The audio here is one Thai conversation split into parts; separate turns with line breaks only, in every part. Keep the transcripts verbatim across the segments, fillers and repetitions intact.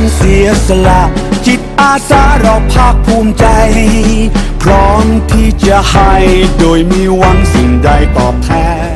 เสียสละจิตอาสาเราภาคภูมิใจ พร้อมที่จะให้โดยมีหวังสิ่งใดตอบแทน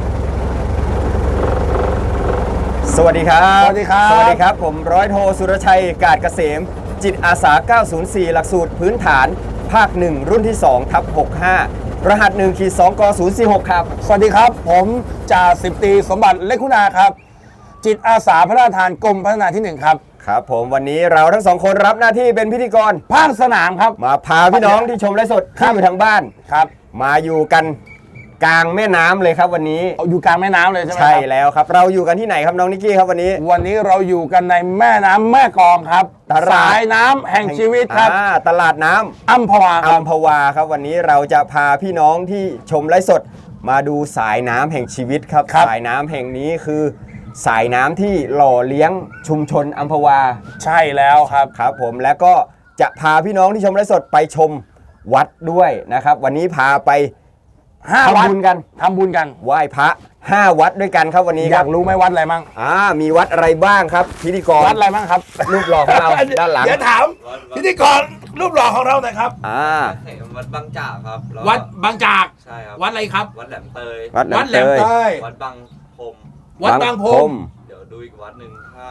สวัสดีครับ
สวัสดีครับ
สวัสดีครับผมร้อยโทสุรชัยกาดเกษมจิตอาสาเก้าศูนย์สี่หลักสูตรพื้นฐานภาคหนึ่งรุ่นที่สองทับหกห้ารหัสหนึ่งขีดสองกศูนย์สี่หกครับ
สวัสดีครับผมจ่าสิบตรีสมบัติเล็กคุณาครับจิตอาสาพระราชทานกรมพัฒนาที่หนึ่งครับ
ครับผมวันนี้เราทั้งสองคนรับหน้าที่เป็นพิธีกร
ภาคสนามครับ
มาพาพี่น้องที่ชมไลฟ์สดที่อยู่ทางบ้าน
ครับ
มาอยู่กันกลางแม่น้ำเลยครับวันนี้
อยู่กลางแม่น้ำเลยใช่ไหม
ใช่แล้วครับเราอยู่กันที่ไหนครับน้องนิกกี้ครับวันนี้
วันนี้เราอยู่กันในแม่น้ำแม่กลองครับสายน้ำแห่งชีวิตครับ
ตลาดน้ำ
อัมพวา
อัมพวาครับวันนี้เราจะพาพี่น้องที่ชมไลฟ์สดมาดูสายน้ำแห่งชีวิตครับสายน้ำแห่งนี้คือสายน้ำที่หล่อเลี้ยงชุมชนอัมพวา
ใช่แล้วครับ
ครับผมแล้วก็จะพาพี่น้องที่ชมไลฟ์สดไปชมวัดด้วยนะครับวันนี้พาไป
ห้าวัด
ทำบุญกัน
ทำบุญกัน
ไหว้พระห้าวัดด้วยกันครับวันนี้
อยากรู้ไหมวัดอะไรบ้าง
อ่ามีวัดอะไรบ้างครับพิธีกร
วัดอะไรบ้างครับ
รูปหล่อของเราด้านหลัง
เดี๋ยวถามพิธีกรรูปหล่อของเราหน่อยครับ
อ่า
วัดบางจากครับ
วัดบางจาก
ใช่ครับ
วัดอะไรครับ
วัดแหลมเตย
วัดแหลมเตย
วัดบางพรม
วัดบางพรม
เดี๋ยวดูอีกวัดหนึ่งถ้า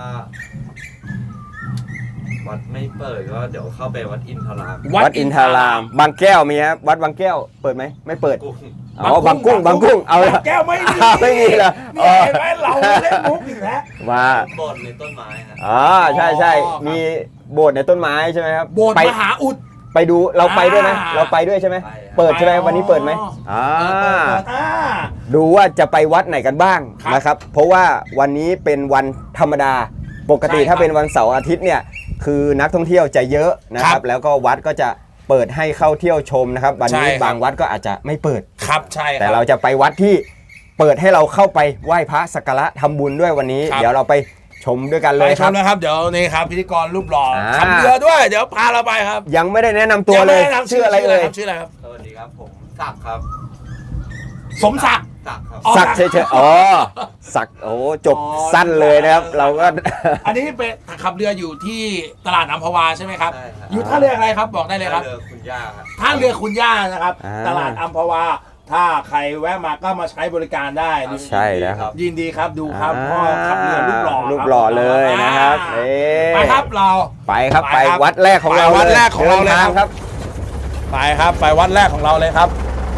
วัดไม่เปิดก็เดี๋ยวเข้าไปวัดอินทราม
วัดอินทรามบางแก้วมีครับวัดบางแก้วเปิดไหมไม่เปิดอ๋อบางกุ้งบางกุ้งเอา
แก้วไม่มี
ไม่มีเหรอ
นี่เห็นไหมเราเล่นมุกอีกแล้ว
มา
โบสถ์ในต้นไม้ครับ
อ๋อใช่ใช่มีโบสถ์ในต้นไม้ใช่ไหมครับ
โบสถ์มหาอุด
ไปดูเราไปด้วยไหมเราไปด้วยใช่ไหมเปิดใช่ไหมวันนี้เปิดไหมอ่าดูว่าจะไปวัดไหนกันบ้างนะครับเพราะว่าวันนี้เป็นวันธรรมดาปกติถ้าเป็นวันเสาร์อาทิตย์เนี่ยคือนักท่องเที่ยวจะเยอะนะครับแล้วก็วัดก็จะเปิดให้เข้าเที่ยวชมนะครับวันนี้บางวัดก็อาจจะไม่เปิด
ครับใช่
แต่เราจะไปวัดที่เปิดให้เราเข้าไปไหว้พระสักการะทำบุญด้วยวันนี้เดี๋ยวเราไปชมด้วยกันเลยครับ
ไปชมนะครับเดี๋ยวนี่ครับพิธีกรรูปหล่อขับเรือด้วยเดี๋ยวพาเราไปครับ
ยังไม่ได้แนะนำตัวเลยชื่ออะไรเอ่ย
ชื่ออะไรครับ
สวัสดีครับผมศักดิ์ครับ
สมศักดิ์
ศักดิ์ครับ
ศักดิ์เฉยๆอ๋อศักดิ์โอ้จบสั้นเลยนะครับเราก็
อันนี้เป็นขับเรืออยู่ที่ตลาดอัมพวาใช่ไหมครับอยู่ท่าเรืออะไรครับบอกได้เลยครับ
ท่าเรือคุณย่าครับ
ท่าเรือคุณย่านะครับตลาดอัมพวาถ้าใครแวะมาก็มาใช้บริการได้
ใช่แล้วครับ
ยินดีครับดูครับพ่อขับเรือรูปหล่อ
รูปหล่อเลยนะครับ
ไปครับเรา
ไปครับไปวัดแรกของเรา
วัดแรกของเราเลย
ครับ
ไปครับไปวัดแรกของเราเลยครับ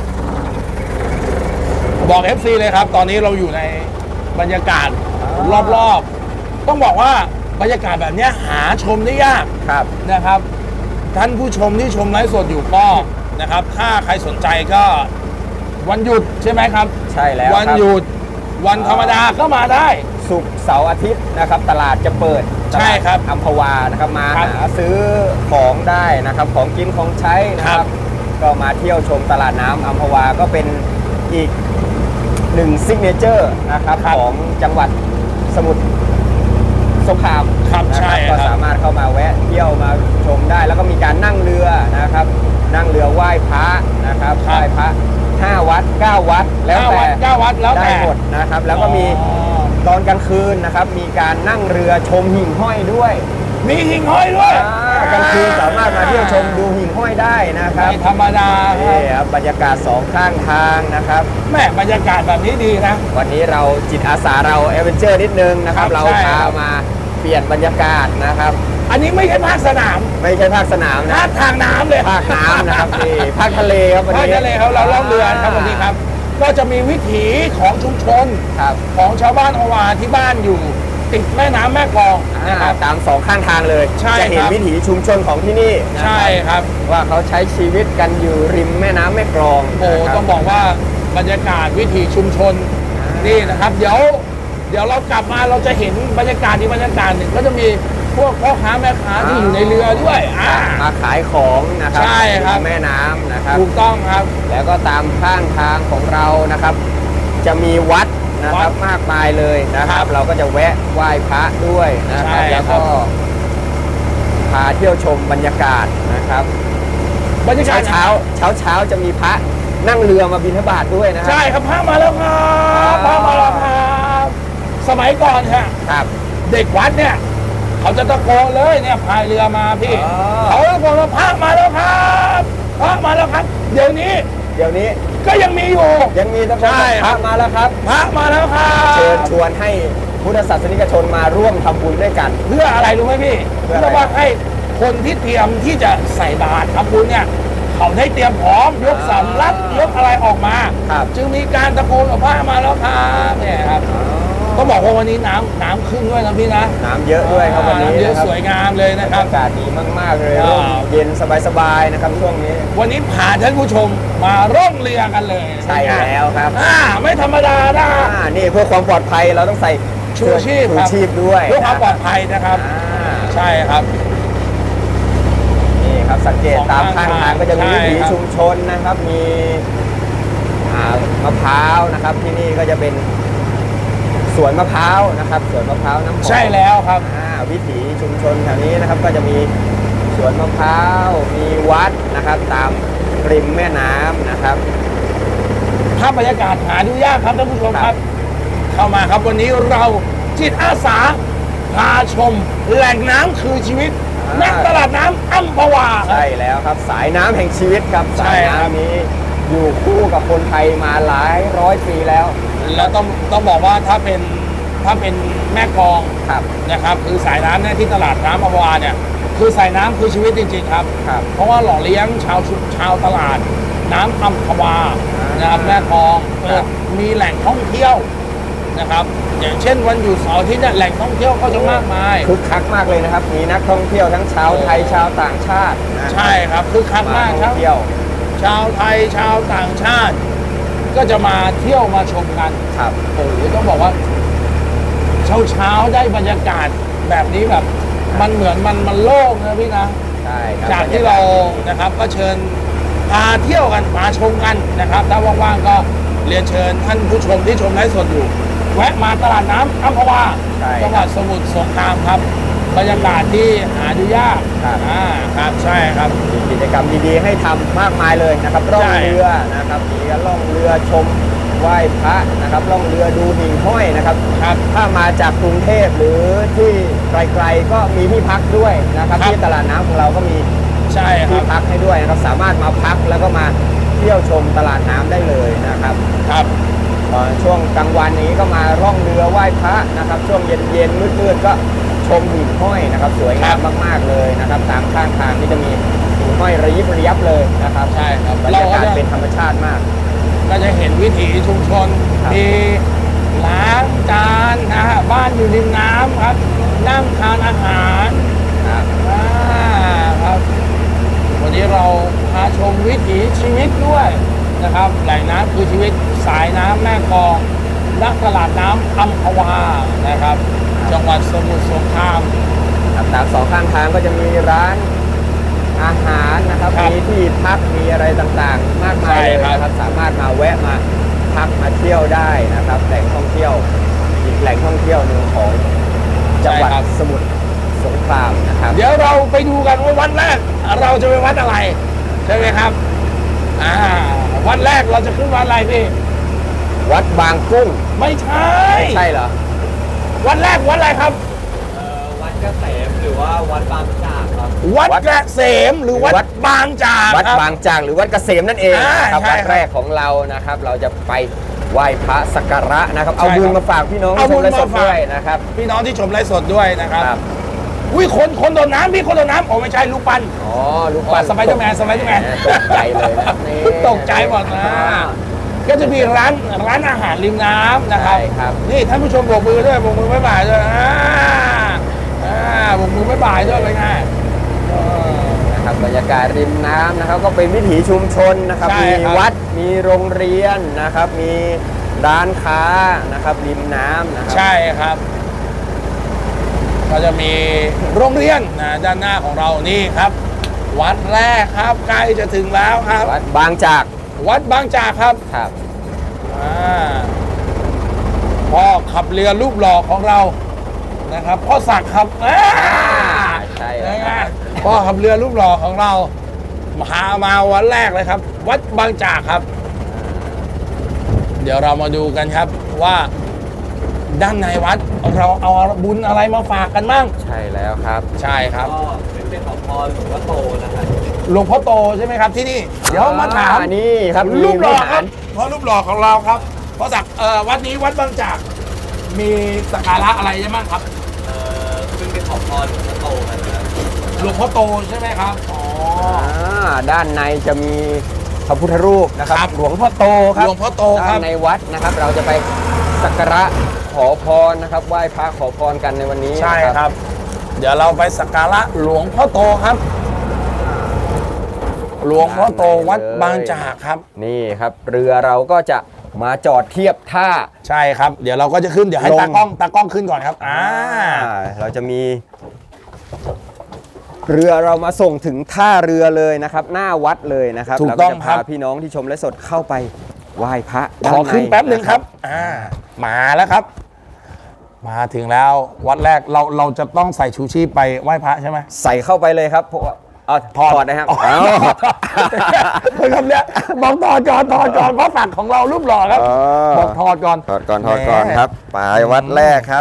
บอก เอฟ ซี เลยครับตอนนี้เราอยู่ในบรรยากาศรอบๆต้องบอกว่าบรรยากาศแบบนี้หาชมได้ยาก
ครับ
นะครับท่านผู้ชมที่ชมไลฟ์สดอยู่ก็นะครับถ้าใครสนใจก็วันหยุดใช่ไหมครับ
ใช่แล้ว
วันหยุดวันธรรมดาก็มาได้
ศุกร์เสาร์อาทิตย์นะครับตลาดจะเปิด
ใช่ครับ
อัมพวานะครับมาหาซื้อของได้นะครับของกินของใช้นะครับก็มาเที่ยวชมตลาดน้ำอัมพวาก็เป็นอีกหนึ่งซิกเนเจอร์นะครับของจังหวัดสมุทรสงคราม
นะครับ
ก็สามารถเข้ามาแวะเที่ยวมาชมได้แล้วก็มีการนั่งเรือนะครับนั่งเรือไหว้พระนะครับไหว้พระห้าวัดเก้าวัดแล้วแต่
เก้าวัดแล้วแต่
ได้หมดนะครับแล้วก็มีตอนกลางคืนนะครับมีการนั่งเรือชมหิ่งห้อยด้วย
มีหิ่งห้อยด้วย
กลางคืนสามารถมาเที่ยวชมดูหิ่งห้อยได้นะครับ
ธรรมดา
ครับบรรยากาศสองข้างทางนะครับ
แม่บรรยากาศแบบนี้ดีนะ
วันนี้เราจิตอาสาเราแอดเวนเจอร์นิดนึงนะครับเราพามาเปลี่ยนบรรยากาศนะครับ
อันนี้ไม่ใช่ภาคสนาม
ไม่ใช่ภาคสนามนะ
ภาคทางน้ำเลย
ภาคน้ำนะครับนี่ภาคทะเลครับวันนี้
ภาคทะเลเขาเราล่องเรือครับวันนี้ครับก็จะมีวิถีของชุมชนของชาวบ้านอวาที่บ้านอยู่ติดแม่น้ำแม่กลอง
นะครับตามสองข้างทางเลยจะเห็นวิถีชุมชนของที่นี่
ใช่ครับ
ว่าเขาใช้ชีวิตกันอยู่ริมแม่น้ำแม่กลอง
โอ้ต้องบอกว่าบรรยากาศวิถีชุมชนนี่นะครับเดี๋ยวเดี๋ยวเรากลับมาเราจะเห็นบรรยากาศที่บรรยากาศหนึ่งก็จะมีพวกพ่อค้าแม่ค้าที่อยู่ในเรือด้วย
มาขายของนะครับ
ใช่ครับ
แม่น้ำนะครับ
ถูกต้องครับ
แล้วก็ตามข้างทางของเรานะครับจะมีวัดนะครับมากมายเลยนะครับเราก็จะแวะไหว้พระด้วยนะครับแล้วก็พาเที่ยวชมบรรยากาศนะครับ
บรรยากาศ
เช้าเช้าเช้าจะมีพระนั่งเรือมาบิณฑบาตด้วยนะครับ
ใช่ครับพระมาแล้วครับพระมาแล้วครับสมัยก่อนครับ
ครับ
เด็กวัดเนี่ยเขเขาจะตะโกนเลยเนี่ยพายเรือมาพี่
อ๋อ
เขาตะโกนว่าพระมาแล้วครับพระมาแล้วครับ เดี๋ยวนี้
เดี๋ยวนี้
ก็ยังมีอยู่
ยังมีท่านผู้ชม
ใช่
พระมาแล้วครับ
พระมาแล้วครั
เชิญ
บ
ชวนให้พุทธศาสนิกชนมาร่วมทำบุญด้วยกัน
เพื่ออะไรรู้ไหมพี่
เพื่ออะไร
เพื่อว่าให้คนที่เตรียมที่จะใส่บาตรทำบุญเนี่ยเขาได้เตรียมพร้อมยกสำรับยกอะไรออกมา
ครับ
จึงมีการตะโกนว่าพระมาแล้วครับเนี่ยครับก็บอกว่าวันนี้น้ำน้ำขึ้นด้วยนะพี่นะ
น้ำเยอะด้วยครับวันนี้
น้ำเยอะ
นะครับ
สวยงามเลยนะค
อา
รับ
กาศดีมาก ๆ เลย
อ่า
ร่มเย็นสบาย ๆ นะครับช่วงนี้
วันนี้พาท่านผู้ชมมาร่องเรือกันเลย
ใช่แล้วครับ
อ่าไม่ธรรมดานะ
อ่านี่เพื่อความปลอดภัยเราต้องใส่
ชูชีพ
ชู
ครับ
ชีพด้วย
เพื่อความปลอดภัยนะครับ
อ่า
ใช่ครับ
นี่ครับสังเกต
สอง
ตามข้างทางก็จะมี
ใช่
วิถี
ครับ
ชุมชนนะครับ มีอ่ามะพร้าวนะครับ ที่นี่ก็จะเป็นสวนมะพร้าวนะครับสวนมะพร้าวน้ำหอม
ใช่แล้วครับ
อ่าวิถีชุมชนแถวนี้นะครับก็จะมีสวนมะพร้าวมีวัดนะครับ ตามริมแม่น้ำนะครับ
ภาพบรรยากาศหาดูยากครับท่านผู้ชมครับ เข้ามาครับวันนี้เราจิตอาสาพาชมแหล่งน้ำคือชีวิต
อ่า
ณตลาดน้ำอัมพวาครับ
ใช่แล้วครับสายน้ำแห่งชีวิตครับ
ใช่
สาย
ครับ
น้ำนี้อยู่คู่กับคนไทยมาหลายร้อยปีแล้ว
แล้วต้องต้องบอกว่าถ้าเป็นถ้าเป็นแม่กลอง
ครับ
นะครับคือสายน้ำเนี่ยที่ตลาดน้ำอัมพวาเนี่ยคือสายน้ำคือชีวิตจริงๆครับ
ครับ
เพราะว่าหล่อเลี้ยงชาวชุมชาวตลาดน้ำอัมพวา
อ่าน
นะครับแม่กลอง
ครั
เปิด
บ
มีแหล่งท่องเที่ยวนะครับ อย่างเช่นวันหยุดเสาร์อาทิตย์เนี่ยแหล่งท่องเที่ยวก็จะมากมาย
คึกคักมากเลยนะครับ มีนักท่องเที่ยวทั้งชาวไทยชาวต่างชาตินะ
ใช่ครับคือคัก
มาม
ากค
ท่
รั
อบ งเที่ยว
ชาวไทยชาวต่างชาติ ก็จะมาเที่ยวมาชมกัน
ครับ
โอ้โหต้องบอกว่า เช้าเช้าๆได้บรรยากาศแบบนี้แบบ มันเหมือนมันมันโล่งนะพี่นะ
ใช่ครับ
จากที่เรานะครับก็เชิญพาเที่ยวกันมาชมกันนะครับ ถ้าว่างๆก็เรียนเชิญท่านผู้ชมที่ชมไลฟ์สดอยู่ แวะมาตลาดน้ำอัมพวา
ใช่
จังหวัดสมุทรสงครามครับ บรรยากาศที่หาดูยาก
ครับ
อ่าครับใช่ครับ
มีกิจกรรมดีๆให้ทำมากมายเลยนะครับล่อง
ใช่
เรือนะครับมีการล่องเรือชมไหว้พระนะครับล่องเรือดูหิ่งห้อยนะครับ
ครับ
ถ้ามาจากกรุงเทพหรือที่ไกลๆก็มีที่พักด้วยนะครับ
ครับ
ที่ตลาดน้ำของเราก็มี
ใช่ค
ที่
รับ
พักให้ด้วยนะครับสามารถมาพักแล้วก็มาเที่ยวชมตลาดน้ำได้เลยนะครับ
ครับ
เอ่อช่วงกลางวันนี้ก็มาร่องเรือไหว้พระนะครับ ช่วงเย็นๆมืดๆก็ชมหิ่งห้อยนะครับ สวยงามมากๆเลยนะครับตามข้างทางนี่จะมีหิ่งห้อยระยิบระยับเลยนะครับ
ใช่ครับ
บรร
เรา
ยา
ก็
กาศ
จะ
เป็นธรรมชาติมาก
ก็จะเห็นวิถีชุมชน
ครับ
มีล้างจานนะฮะบ้านอยู่ริมน้ำครับ นั่งทานอาหาร
ครับ
อ่าครับวันนี้เราพาชมวิถีชีวิตด้วยนะครับแหล่งน้ำคือชีวิตสายน้ำแม่กลองนักตลาดน้ำอัมพวานะครับ จังหวัดสมุทรสงคราม
ครับตามสองข้างทางก็จะมีร้านอาหารนะครับ
ครับ
มีที่พักมีอะไรต่างๆ มากมายเลย
ใช่ครับ
นะครับ สามารถมาแวะมาพักมาเที่ยวได้นะครับแหล่งท่องเที่ยวอีกแหล่งท่องเที่ยวหนึ่งของจังหวัดสมุทรสงครามนะครับ
เดี๋ยวเราไปดูกันว่าวันแรก เราจะไปวัดอะไรใช่ไหมครับอ่าวันแรกเราจะขึ้นวัดอะไรพี่
วัดบางกุ้ง
ไม่ใช่
ใช่เหรอ
วันแรกวัดอะไรครับ
เอ่อวัดเกษมหรือว่าวัดบางจากครับ
วัด
วัด
เกษมหรือวัด
วัด
บางจาก
วัด
ครับ
บางจากหรือวัดเกษมนั่นเอง
อ่า
นะครับ
ใช่
วัด
ครับ
แรกของเรานะครับ เราจะไปไหว้พระสักการะนะครับ เอา
ใช่
บุญ
ครับ
มาฝากพี่น้อง
เอาบุญ
ชมและสด
มาฝาก
ด้วยนะครับ
พี่น้องที่ชมไลฟ์สดด้วยนะครับ
ครับ
อุ้ยคนคนโดนน้ำพี่คนโดนน้ำโอ้ไม่ใช่ลูกปั้น
อ๋อลูกปั้น
สไปเดอร์แมนสไปเดอร์แมน
ตกใจเลยนะนี่
ตกใจหมดนะ ก็จะมีร้านร้านอาหารริมน้ำนะครับ
ใช่ครับ
นี่ท่านผู้ชมโบกมือด้วยโบกมือบ๊ายบายด้วยอ่าอ่าโบกมือบ๊ายบายด้วยเป็นไงเออ
นะครับบรรยากาศริมน้ำนะครับ ก็เป็นวิถีชุมชนนะครับ
ใช่
มี
ครับ
วัดมีโรงเรียนนะครับ มีร้านค้านะครับริมน้ำนะครับ
ใช่ครับ ก็จะมีโรงเรียนนะด้านหน้าของเรานี่ครับ วัดแรกครับใกล้จะถึงแล้วครับ
วัดบางจาก
วัดบางจากครับ
ครับ
อ่าพ่อขับเรือรูปหล่อของเรานะครับพ่อศักดิ์ครับอ่า
ใช่
นะ
ค
ฮะ
รับ
พ่อขับเรือรูปหล่อของเราพามาวันแรกเลยครับ วัดบางจากครับ เดี๋ยวเรามาดูกันครับว่าด้านในวัดเราเอาบุญอะไรมาฝากกันบ้าง
ใช่แล้วครับ
ใช่ครับ
ก็เป็นเป็นของพรหลวงพ่อโตนะครับ
หลวงพ่อโตใช่ไหมครับที่นี่เดี๋ยวมาถาม
อ่นี่ครับ
รูปหล่อ
มีวิ
ค
หา
รับเพราะรูปหล่อของเราครับเพราะสักเอ่อวัดนี้วัดบางจากมีสักการะอะไรบ้างครับ
เอ่อเป็นเป็นของพรหลวงพ่อโตนะครับ
หลวงพ่อโตใช่ไหมครับอ๋อ
อ่าด้านในจะมีพระพุทธรูปนะครับ
ครับ
หลวงพ่อโตค
ห
รับ
ลวงพ่อโตค
ด้า
รั
น
บ
ในวัดนะครับ เราจะไปสักการะขอพรนะครับไหว้พระขอพรกันในวันนี้
ใช่
นะครับ
เดี๋ยวเราไปสักการะหลวงพ่อโตครับ หลวงพ่อโตวัดบางจากครับ
นี่ครับเรือเราก็จะมาจอดเทียบท่า
ใช่ครับ เดี๋ยวเราก็จะขึ้นเดี๋ยวให้
ลง
ตากล้องตากล้องขึ้นก่อนครับอ่า
อ่าเราจะมีเรือเรามาส่งถึงท่าเรือเลยนะครับ หน้าวัดเลยนะครับ
ถูก
แล้ว
ต้อง
จะ
ครั
พา
บ
พี่น้องที่ชมและสดเข้าไปไหว้พระ
ขอขึ้น
ด้าใ
แป๊บหนึ่งครับอ่ามาแล้วครับ มาถึงแล้ววัดแรกเราเราจะต้องใส่ชูชีพไปไหว้พระใช่ไหม
ใส่เข้าไปเลยครับเพราะว่าเอาถอดนะครับ
อ๋อ
เอา
เฮ้ยคำเนี้ยบอกถอดก่อนถอดก่อนเพราะสั่งของเรารูปหล่อครับ
อ๋อ
บอกถอดก่อน
ถอดก่อนถอดก่อนครับไปวัดแรกครับ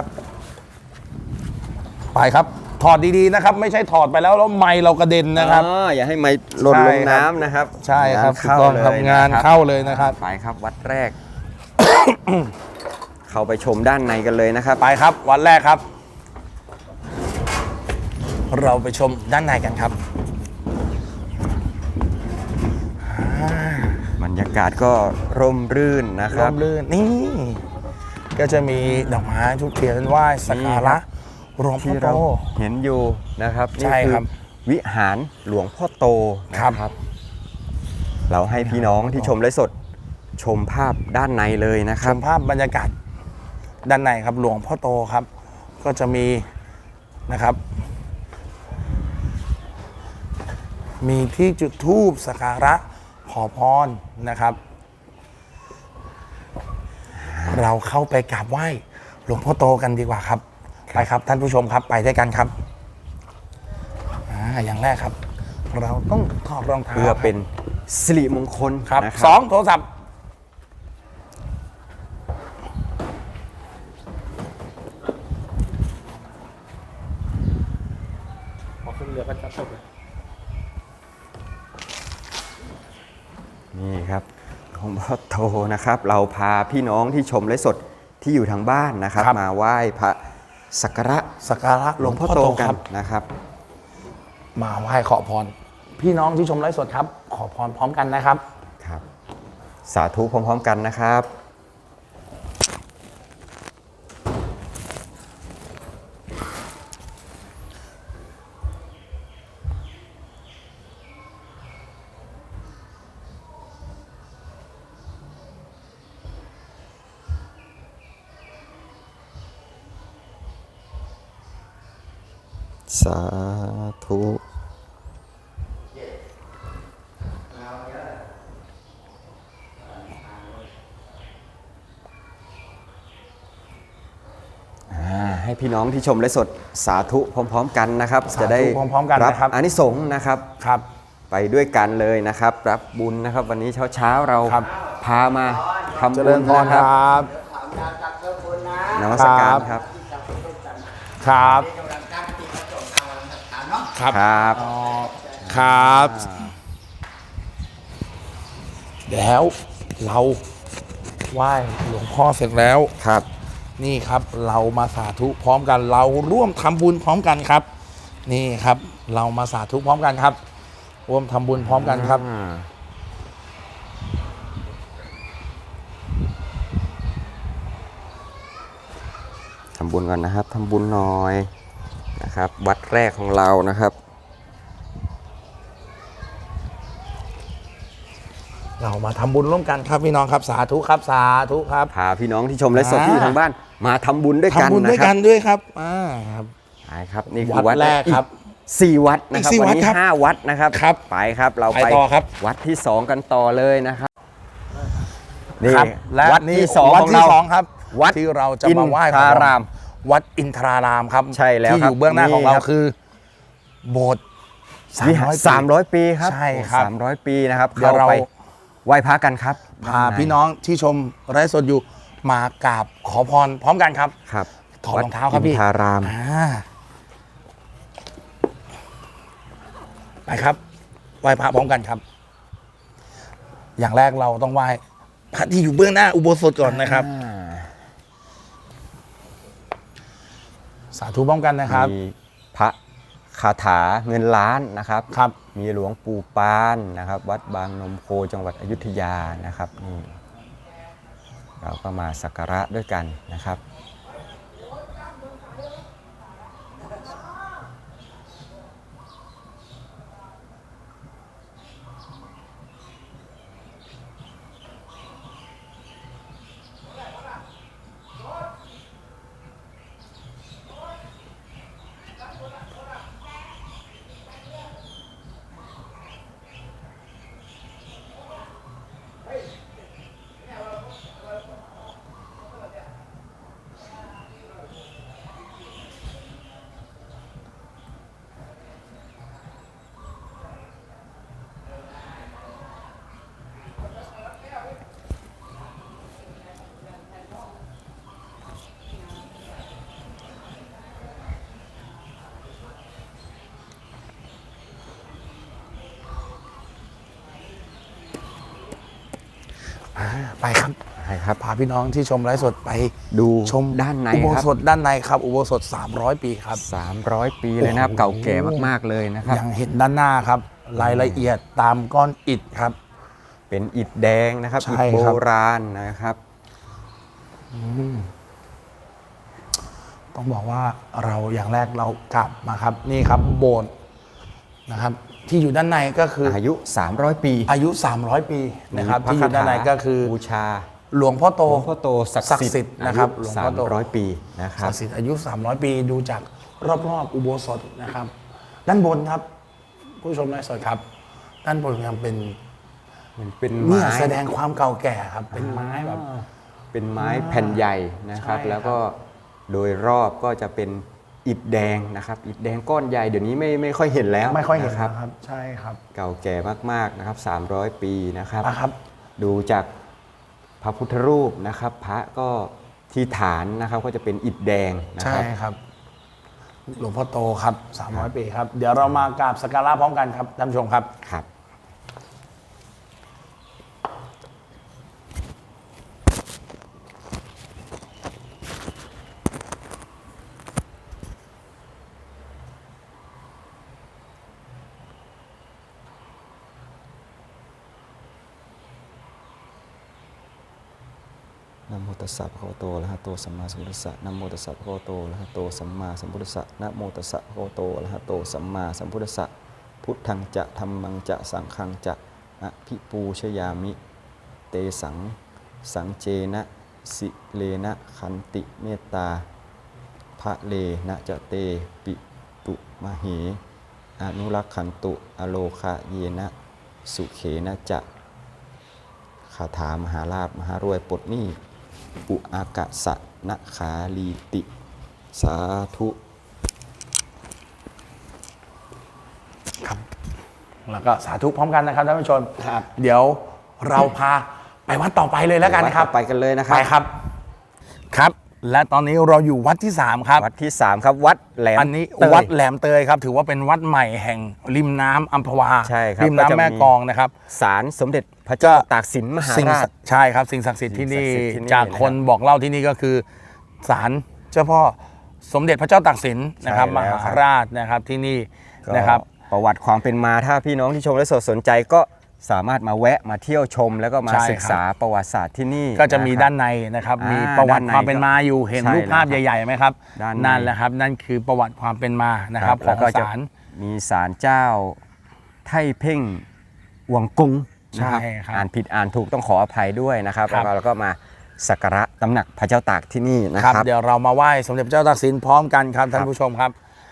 ไปครับถอดดีๆนะครับ ไม่ใช่ถอดไปแล้วแล้วไมค์เรากระเด็นนะครับ
อ๋ออย่าให้ไม้หล่น
ใช่
ล
ครับ
งน้ำนะครับ
ใช่ครับ
งานเข้า
ถูกต้อง
เลย
ทำงาน
นะครับ
เข้าเลยนะครับ
ไปครับวัดแรก เข้าไปชมด้านในกันเลยนะครับ
ไปครับวันแรกครับ เราไปชมด้านในกันครับ
บรรยากาศก็ร่มรื่นนะค
ร่
รับ
มรื่นนี่ก็จะมีดอกไม้ทุกเทียนไหว้สักการะหลวงพ่อ
ที่
โต
เราเห็นอยู่นะครับ
ใช่
นี่
ครับ
วิหารหลวงพ่อโตนะครับ เราให้พี่น้องที่ชมไลฟ์สดชมภาพด้านในเลยนะค
ช
รับ
มภาพบรรยากาศด้านในครับหลวงพ่อโตครับ ก็จะมีนะครับ มีที่จุดธูปสักการะขอพรนะครับ เราเข้าไปกราบไหว้หลวงพ่อโตกันดีกว่าครับ ไปครับท่านผู้ชมครับไปด้วยกันครับอ่าอย่างแรกครับ เราต้องถอดรองเท้า
เพื่อเป็นสิริมงคล
ครับ
นะ
สองโทรศัพท์พอขึ้นเรือก็จะจบเลย
นี่ครับหลวงพ่อโตนะครับ เราพาพี่น้องที่ชมไลฟ์สดที่อยู่ทางบ้านนะครับ มาไหว้พระสักการะ
สักการะห
ห
ล
ล
ว
ว
ง
ง
พ่
พ่
อ
อ
โต
โต
ค
กั
รั
น
บ
นะครับ
มาไหว้ขอพร พี่น้องที่ชมไลฟ์สดครับ ขอพรพร้อมกันนะครับ
ครับ สาธุพร้อมๆกันนะครับ สาธุ ให้พี่น้องที่ชมไลฟ์สดสาธุพร้อมๆกันนะครับ
สาธุ
จะได้
พร้อมๆกันนะครับ
อานิสงส์นะครับ
ครับ
ไปด้วยกันเลยนะครับ รับบุญนะครับ วันนี้เช้าๆเรา
ครับ
พามาทำ
เจ
บุ
ริ
ญ
ญพร
นะ
ค
ค
ร
รับั
บ
นมัสการครับ
ครับ ครับ
ครับ
ครับ แล้วเราไหว้หลวงพ่อเสร็จแล้ว
ครับ
นี่ครับเรามาสาธุพร้อมกัน เราร่วมทำบุญพร้อมกันครับ นี่ครับ เรามาสาธุพร้อมกันครับ ร่วมทำบุญพร้อมกันครับ
อ่าทำบุญก่อนนะครับทำบุญหน่อยนะครับ วัดแรกของเรานะครับ
เรามาทำบุญร่วมกันครับพี่น้องครับสาธุครับสาธุครับ
พาพี่น้องที่ชมและสด
อ่า
ที่อยู่ทางบ้าน มาทำบุญด้วยกัน
ทำบุญด้วย
นะค
กั
รั
น
บ
ด้วยครับอ่าครับ
ไปครับนี่คือ
วั
วั
ด
ด
แรกครับ
อีสี่วัดนะครับ
อีกสี่
วัน
วัด
นี้
ครับ
ห้าวัดนะครับ
ครับ
ไปครับเรา
ไป
ไป
ต่อครับ
วัดที่สองกันต่อเลยนะครับนี่
ครับและ
วัด
นี่
ที่สอง
วัด
ของ
ที่
เรา
สองครับ
วัด
ที่เราจะมาไหว้
อินทราราม
วัดอินทรารามครับ
ใช่แล้ว
ที่
ค
อ
รับ
ยู่เบื้องหน้าของเรา
นี่ครับ
คือ โบสถ์
วิหารสามร้อยปีครับ
ใช่ครับ
สามร้อยปีนะครับ
เดี๋ยวเรา
ไปไหว้พระกันครับ
พาพี่น้องที่ชมไลฟ์สดอยู่มากราบขอพรพร้อมกันครับ
ครับ
ถอดรองเท้าครับพี่
วัดอินทาราม
อ่าไปครับไหว้พระพร้อมกันครับ อย่างแรกเราต้องไหว้พระที่อยู่เบื้องหน้าอุโบสถก่อนนะครับ
อ่า
สาธุพร้อมกันนะครับ
มีพระคาถาเงินล้านนะครับ
ครับ
มีหลวงปู่ปานนะครับ วัดบางนมโคจังหวัดอยุธยานะครับนี่เราก็มาสักการะด้วยกันนะครับ
อ่าไปครับ
ใช่ครับ
พาพี่น้องที่ชมไลฟ์สดไป
ดู
ชม
ด้านใน
อุโบ
ครับ
สถด้านในครับ อุโบสถสามร้อยปีครับ
สามร้อยปีเลยนะครับ
โอ้โห
เก่าแก่มากๆเลยนะครับ
อย่างเห็นด้านหน้าครับ รายละเอียดตามก้อนอิฐครับ
เป็นอิฐแดงนะครับ
ใช่
อิฐโบ
ครับ
ราณนะครับ
ต้องบอกว่าเราอย่างแรกเรากลับมาครับ นี่ครับโบสถ์นะครับ ที่อยู่ด้านในก็คือ
อายุ สามร้อย ปี
อายุ สามร้อย ปีนะครับ
มีพระ
ที่อยู่ด้านในก็คือ
บูชา
หลวงพ่อโต
หลวงพ่อโตศักดิ์สิทธิ์
นะครับ
อายุ
หลวงพ่อโต
สามร้อย ปีนะครับ
ศักดิ์สิทธิ์อายุ สามร้อย ปีดูจากรอบๆอุโบสถนะครับ ด้านบนครับ ผู้ชมไลฟ์สดครับ ด้านบนยังเป็น
มันเป็น
เนี่
ไม้
ยแสดงความเก่าแก่ครับ เป็นไม้แบบ
เป็นไม้แผ่นใหญ่นะครับ
ใช่ครับ
แล้วก็โดยรอบก็จะเป็นอิฐแดงนะครับ อิฐแดงก้อนใหญ่เดี๋ยวนี้ไม่ไม่ค่อยเห็นแล้ว
ไม่ค่อยเห็น
นะครับ
นะครับ ใช่ครับ
เก่าแก่มากๆนะครับ สามร้อย ปีนะครับ
อ่ะครับ
ดูจากพระพุทธรูปนะครับ พระก็ที่ฐานนะครับก็จะเป็นอิฐแดงนะ
ใช่
ครับ
ครับ หลวงพ่อโตครับ สามร้อย ปีครับ เดี๋ยวเรามากราบสักการะพร้อมกันครับท่านผู้ชมครับ
ครับ นะโมตัสสะภะคะวะโตอะระหะโตสัมมาสัมพุทธัสสะนะโมตัสสะภะคะวะโตอะระหะโตสัมมาสัมพุทธัสสะนะโมตัสสะภะคะวะโตอะระหะโตสัมมาสัมพุทธัสสะพุทธังจะธัมมังจะสังฆังจะอะภิปูชยามิเตสังสังเจนะสิเลนะขันติเมตตาภะเลนะจะเตปิตุมเหอนุรักขันตุอโลคะเยนะสุเขนะจะคาถามหาลาภมหารวยปลดหนี้อุอากะสะนะขาลีติ สาธุ
ครับ แล้วก็สาธุพร้อมกันนะครับท่านผู้ชมครับ เดี๋ยวเราพาไปวัดต่อไปเลยแล้วกันครับ
ไปกันเลยนะครับ
ไปครับ ครับ และตอนนี้เราอยู่วัดที่สามครับ
วัดที่สามครับ วัดแหลม
อันนี้
เตย
วัดแหลมเตยครับ ถือว่าเป็นวัดใหม่แห่งริมน้ำอัมพวา
ใช่ครับ
ริม
ก็จะมี
น้ำแม่กลองนะครับ
ศาลสมเด็จพระเจ้าตากสินมหา
สิ่ง
ราช
ใช่ครับสิ่งศักดิ์สิทธิ์ที่นี่
สิ่งศักดิ์สิทธิ์ที่นี่
จากคน
นะครับ
บอกเล่าที่นี่ก็คือศาลเจ้าพ่อสมเด็จพระเจ้าตากสินนะครับ
ใช่
ม
แล้ว
หา
ครับ
ราชนะครับที่นี่
ก็
นะครับ
ประวัติความเป็นมาถ้าพี่น้องที่ชมและสดสนใจก็สามารถมาแวะมาเที่ยวชม แล้วก็มา
ใช่ครับ
ศึกษาประวัติศาสตร์ที่นี่
ก็จะมี
ครับ
ด้านในนะครับ
อ่ามี
มีประวัติ
ด้านใน
ความเป็นมาอยู่เห็น
ใช่
รูปภาพ
แล้วครับ
ใหญ่ๆไหมครับ
ด้านใน
นั่นแหละครับนั่นคือประวัติความเป็นมานะครับข
แล้
อ
ว
ง
ก็จะ
ศาล
มีศาลเจ้าไท่เพ่งหวงกงนะครับ
ใช่ครับ
อ่านผิดอ่านถูกต้องขออภัยด้วยนะครับ
ครั
แล้ว
บ
ก็เราก็มาสักการะตำหนักพระเจ้าตากที่นี่นะ
ค
ค
รั
รั
บบ เดี๋ยวเรามาไหว้สมเด็จพระเจ้าตากสินพร้อมกันครับท่าน
ครับ
ผู้ชมครับ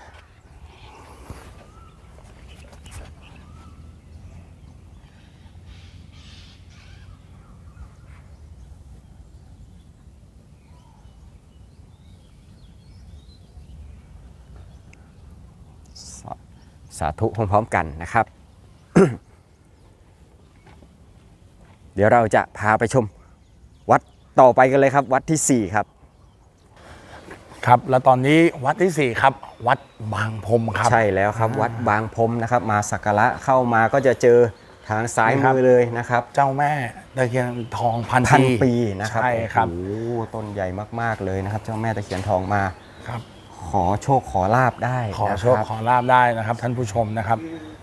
สาสาธุพร้อมๆกันนะครับ เดี๋ยวเราจะพาไปชมวัดต่อไปกันเลยครับวัดที่สี่ครับ
ครับแล้วตอนนี้วัดที่สี่ครับวัดบางพรมครับ
ใช่แล้วครับวัดบางพรมนะครับมาสักการะเข้ามาก็จะเจอทางซ้าย
นี่ครั
มื
บ
อเลยนะครับ
เจ้าแม่ตะเคียนทองพัน
พัน
ปี
ปีนะครับ
ใช่ครับ
โอ้โหต้นใหญ่มากๆเลยนะครับ เจ้าแม่ตะเคียนทองมา
ครับ
ขอโชคขอลาบได้
ขอ
นะ
โช
ค
ครับ ขอลาบได้นะครับ ท่านผู้ชมนะครับ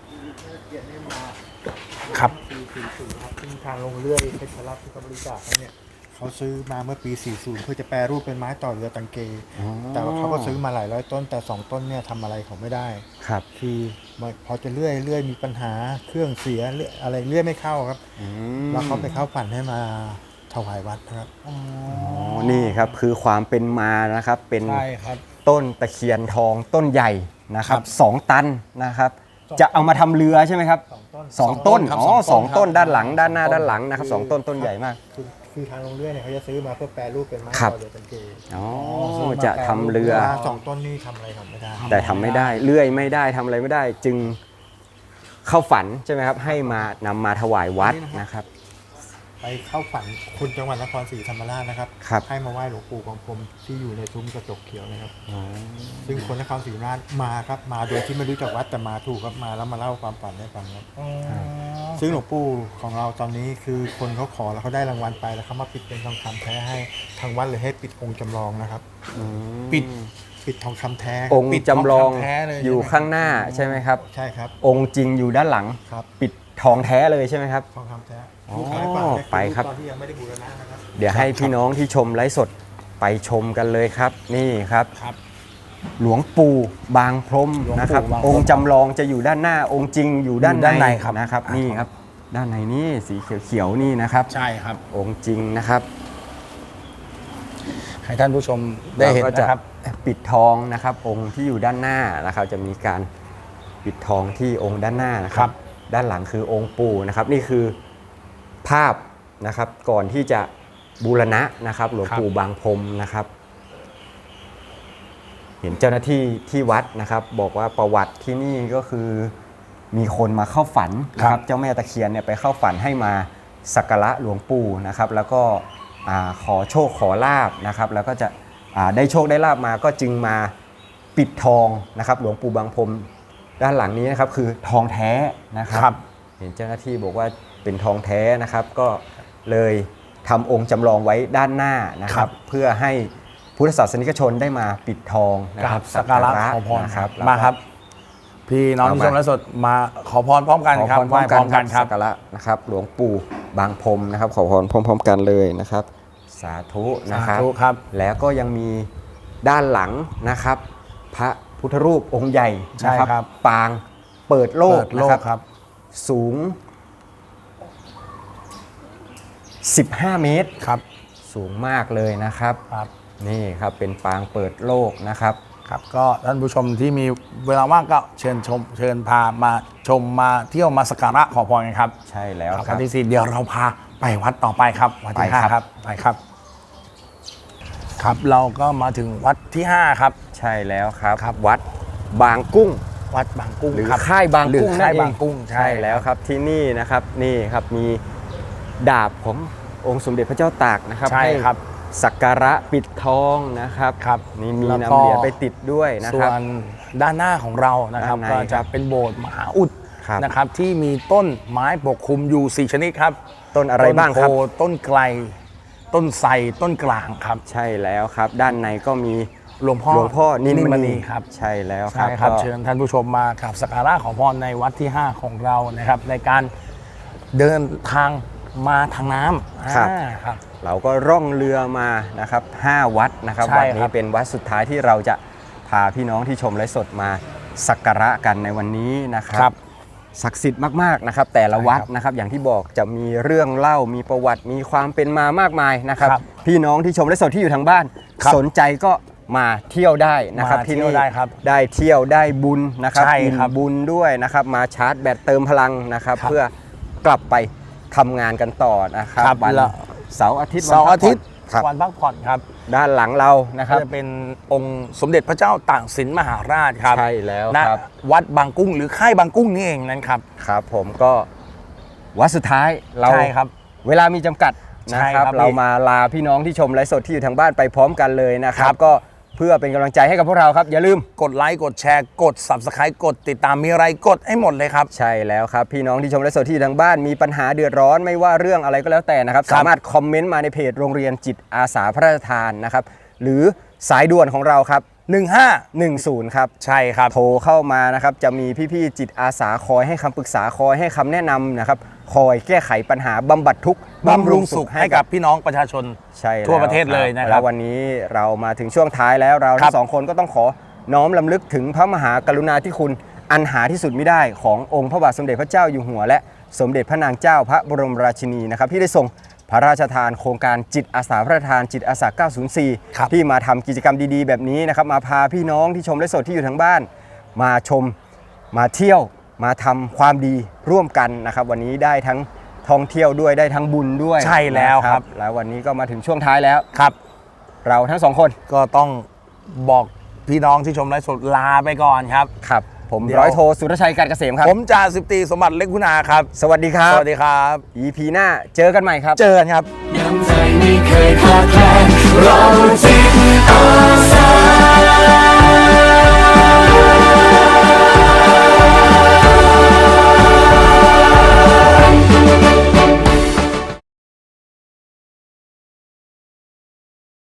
ครับ
ปีสี่สิบครับซึ่งทางโรงเลื่อยเพชรรัตน์ที่เขาบริจาคให้เนี่ยเขาซื้อมาเมื่อปีสี่สิบเพื่อจะแปรรูปเป็นไม้ต่อเรือตังเก แต่ว่าเขาก็ซื้อมาหลายร้อยต้นแต่สองต้นเนี่ยทำอะไรเขาไม่ได้
ครับ
คือพอจะเลื่อยเลื่อยมีปัญหาเครื่องเสียเลื่อยอะไรเลื่อยไม่เข้าครับ
อืม
แล้วเขาไปเข้าฝันให้มาถวายวัดนะครับ
อ๋อนี่ครับคือความเป็นมานะครับเป็น
ใช่ครับ
ต้นตะเคียนทองต้นใหญ่นะครับ
ครับ
สองตันนะครับ จะเอามาทำเรือใช่ไหมครับ
สองต้น
สองต้น
ครับ
อ๋อ
ส
ส
อ
อง ง
ต้
ต้
น
น
ครับ
ด้านหลังด้านหน้า
สองต้น
ด้านหลังนะครับสองต้นต้นใหญ่มาก
คือคือทางโรงเลื่อยเนี่ยเขาจะซื้อมาเพื่อแปรรูปเป็นไม้
ครับ
ต่อเรือตังเก
อ๋อ
ซื้อมา
จะทำเรือ
เวลาสองต้นนี่ทำอะไรเขาไม่ได้
แต่ทำไม่ได้เลื่อยไม่ได้ทำอะไรไม่ได้ จึงเข้าฝันใช่ไหมครับ ให้มานำมาถวายวัดนะครับ
ไปเข้าฝันคุณจังหวัดนครศรีธรรมราชนะครับ
ครับ
ให้มาไหว้หลวงปู่ของผมที่อยู่ในซุ้มกระจกเขียวนะครับ
อ๋อ
ซึ่งคนนครศรีธรรมราชมาครับมาโดยที่ไม่รู้จักวัดแต่มาถูกครับมาแล้วมาเล่าความฝันให้ฟังครับซึ่งหลวงปู่ของเราตอนนี้คือคนเขาขอแล้วเขาได้รางวัลไปแล้วเขามาปิดเป็นทองคำแท้ให้ทางวัดเลยให้ปิดองค์จำลองนะครับ ปิดปิดทองคำแท้
องค์
ปิด
จำลอง
ทองคำแท้เลย
อยู่
ใช่ไหม
ข้างหน้าใช่ไหมครับ
ใช่ครับ
องค์จริงอยู่ด้านหลัง
ครับ
ปิดทองแท้เลยใช่ไหมครับ
ทองคำแท้
อ๋อ
ลูกค้าฝันเนี่ย
ไปครับ
ตอนที่ยังไม่ได้บูรณะนะครับ
เดี๋ยวให้พี่น้องที่ชมไลฟ์สดไปชมกันเลยครับ นี่ครับ
ครับ
หลวงปู่บางพรม
หลวงปู่
นะครับ
บางพรม
องค์จำลองจะอยู่ด้านหน้าองค์จริงอยู่ด้าน
อยู่ด้าน
ใน
ในครับ
นะครับ นี่ครับ ด้านในนี่สีเขียวๆนี่นะครับ
ใช่ครับ
องค์จริงนะครับ
ให้ท่านผู้ชมได้เห็น
ราก็จ
นะครับ
ปิดทองนะครับ องค์ที่อยู่ด้านหน้านะครับ จะมีการปิดทองที่องค์ด้านหน้านะค
ครั
รับ
บ
ด้านหลังคือองค์ปู่นะครับ นี่คือภาพนะครับก่อนที่จะบูรณะนะครับ หลวงปู่บางพรมนะครับ เห็นเจ้าหน้าที่ที่วัดนะครับ บอกว่าประวัติที่นี่ก็คือมีคนมาเข้าฝันนะครับ เจ้าแม่ตะเคียนเนี่ยไปเข้าฝันให้มาสักการะหลวงปู่นะครับ แล้วก็อ่าขอโชคขอลาบนะครับ แล้วก็จะอ่าได้โชคได้ลาบมาก็จึงมาปิดทองนะครับ หลวงปู่บางพรมด้านหลังนี้นะครับคือทองแท้นะครับ
ครับ
เห็นเจ้าหน้าที่บอกว่าเป็นทองแท้นะครับ ก็เลยทำองค์จำลองไว้ด้านหน้านะค
ครั
รับ
บ
เพื่อให้พุทธศาสนิกชนได้มาปิดทองนะ
ก
ค
รา
รั
บบ สักการะขอพร
นะครับ
มาครับ พี่น้องที่ชมไลฟ์สดมาขอพรพร้อมกัน
ขอ
ครั
พ
บ
ร
ไหว้พร้อมกันครับ
สักการะนะครับ หลวงปู่บางพรมนะครับ ขอพรพร้อม ๆ กันเลยนะครับ สาธุนะครับ
สาธุครับ
แล้วก็ยังมีด้านหลังนะครับ พระพุทธรูปองค์ใหญ่นะ
ใช่ครับ
ปางเปิดโลก
เปิดโล
นะ
ก
ครับ
ครับ
สูง สิบห้า เมตร
ครับ
สูงมากเลยนะครับ
ครับ
นี่ครับเป็นปางเปิดโลกนะครับ
ครับก็ท่านผู้ชมที่มีเวลาว่างก็เชิญชมเชิญพามาชมมาเที่ยวมาสักการะขอพรกันครับ
ใช่แล้ว
ครับ
ครั
วั
บ
นที่สี่เดี๋ยวเราพาไปวัดต่อไปครับวัดที่
ไปครับ
ห้าครับไปครับ ครับเราก็มาถึงวัดที่ห้าครับ
ใช่แล้วครับ
ครับ
วัดบางกุ้ง
วัดบางกุ้ง
หรือ
ครับ
ค่ายบาง
หรือ
กุ้ง
ค่าย
นั่นเอง
บางกุ้ง
ใช่แล้วครับที่นี่นะครับนี่ครับมีดาบขององค์สมเด็จพระเจ้าตากนะครับ
ใช่ครับ
สักการะปิดทองนะครับ
ครับ
นี่มี
แล้ว
นำ
ก็
เหรียญไปติดด้วยนะ
ส่
คว รับ
นด้านหน้าของเรานะครับ
ด้านใน
ก็
ครั
จะ
บ
เป็นโบสถ์มหาอุด
ครับ
นะครับที่มีต้นไม้ปกคลุมอยู่สี่ชนิดครับ
ต้นอะไรบ้างครับ
ต้นโพต้นไกล ต้นไทรต้นกลางครับ
ใช่แล้วครับ ด้านในก็มี
หลวงพ่อ
หลวงพ่อนินมณี
ครับ
ใช่แล้วครั
ใช่
บ
ครับ
ก็
เชิญท่านผู้ชมมากราบสักการะขอพรในวัดที่ ห้า ของเรานะครับ ในการเดินทางมาทางน้ำ
ครับ
อ่าครับ
เราก็ร่องเรือมานะครับห้าวัดนะครับ
ใช่
วัด
ค
นี้
รับ
เป็นวัดสุดท้ายที่เราจะพาพี่น้องที่ชมไลฟ์สดมาสักการะกันในวันนี้นะค
ครั
รับ ศักดิ์สิทธิ์มากๆนะครับ แต่ละวัด
ใช่ครับ
นะครับอย่างที่บอกจะมีเรื่องเล่ามีประวัติมีความเป็นมามากมายนะครับ
ครับ
พี่น้องที่ชมไลฟ์สดที่อยู่ทางบ้าน
ครับ
สนใจก็มาเที่ยวได้นะครับ
มา
ที่
เที่ยว
นี่
ได้ครับ
ได้เที่ยวได้บุญนะครับ
ใช่
อิ่ม
ครับ
บุญด้วยนะครับ มาชาร์จแบตเติมพลังนะครับ
ครับ
เพื่อกลับไปทำงานกันต่อนะครับ
ครับ
วัน
แล้ว
เสาร์อาทิตย์วัน
เสาร์อาทิตย์
พักผ่อนครับ
วันพักผ่อนครับ
ด้านหลังเรานะครับ
ก็จะเป็นองค์สมเด็จพระเจ้าตากสินมหาราชครับ
ใช่แล้ว
ณ
ครับ
วัดบางกุ้งหรือค่ายบางกุ้งนี่เองนั่นครับ
ครับผมก็วัดสุดท้ายเรา
ใช่ครับ
เวลามีจำกัด
ใช่
นะครับ
ครับ
เรา
พี่
มาลาพี่น้องที่ชมไลฟ์สดที่อยู่ทางบ้านไปพร้อมกันเลยนะครั
ครับ บ
ก็เพื่อเป็นกำลังใจให้กับพวกเราครับอย่าลืม
กดไลค์กดแชร์กด Subscribe กดติดตามมีอะไรกดให้หมดเลยครับ
ใช่แล้วครับพี่น้องที่ชมไลฟ์สดที่อยู่ทางบ้านมีปัญหาเดือดร้อนไม่ว่าเรื่องอะไรก็แล้วแต่นะครับ
ครับ
สามารถคอมเมนต์มาในเพจโรงเรียนจิตอาสาพระราชทานนะครับหรือสายด่วนของเราครับ
หนึ่งห้า
หนึ่งศูนย์ครับ
ใช่ครับ
โทรเข้ามานะครับจะมีพี่ๆจิตอาสาคอยให้คำปรึกษาคอยให้คำแนะนำนะครับคอยแก้ไขปัญหาบำบัดทุกข์
บำรุงสุขให้กับพี่น้องประชาชน
ใช่แล้
ทั่วประเทศเลยนะครับ
แล้ววันนี้เรามาถึงช่วงท้ายแล้วเรา
ครั
ทั้
บ
งสองคนก็ต้องขอน้อมลำลึกถึงพระมหากรุณาธิคุณอันหาที่สุดไม่ได้ขององค์พระบาทสมเด็จพระเจ้าอยู่หัว และสมเด็จพระนางเจ้าพระบรมราชินีนะครับที่ได้ทรงพระราชทานโครงการจิตอาสาพระราชทานจิตอาสา เก้าศูนย์สี่
ครับ
ที่มาทำกิจกรรมดีๆ แบบนี้นะครับมาพาพี่น้องที่ชมและสดที่อยู่ทางบ้าน มาชมมาเที่ยวมาทำความดีร่วมกันนะครับวันนี้ได้ทั้งท่องเที่ยวด้วยได้ทั้งบุญด้วย
ใช่แล้ว
นะครับ แล้ววันนี้ก็มาถึงช่วงท้ายแล้ว
ครับ
เราทั้งสองคน
ก็ต้องบอกพี่น้องที่ชมไลฟ์สดลาไปก่อนครับ
ครับผม
เดี๋ยว
ร้อยโทสุรชัยการเกษมครับ
ผมจ่าสิบตรีสมบัติเล็กคุณาครับ
สวัสดีครับ
สวัสดีครับ
อี พี หน้าเจอกันใหม่ครับ
เจอกันครับ
น้ำใจไม่เคยขาดแคลน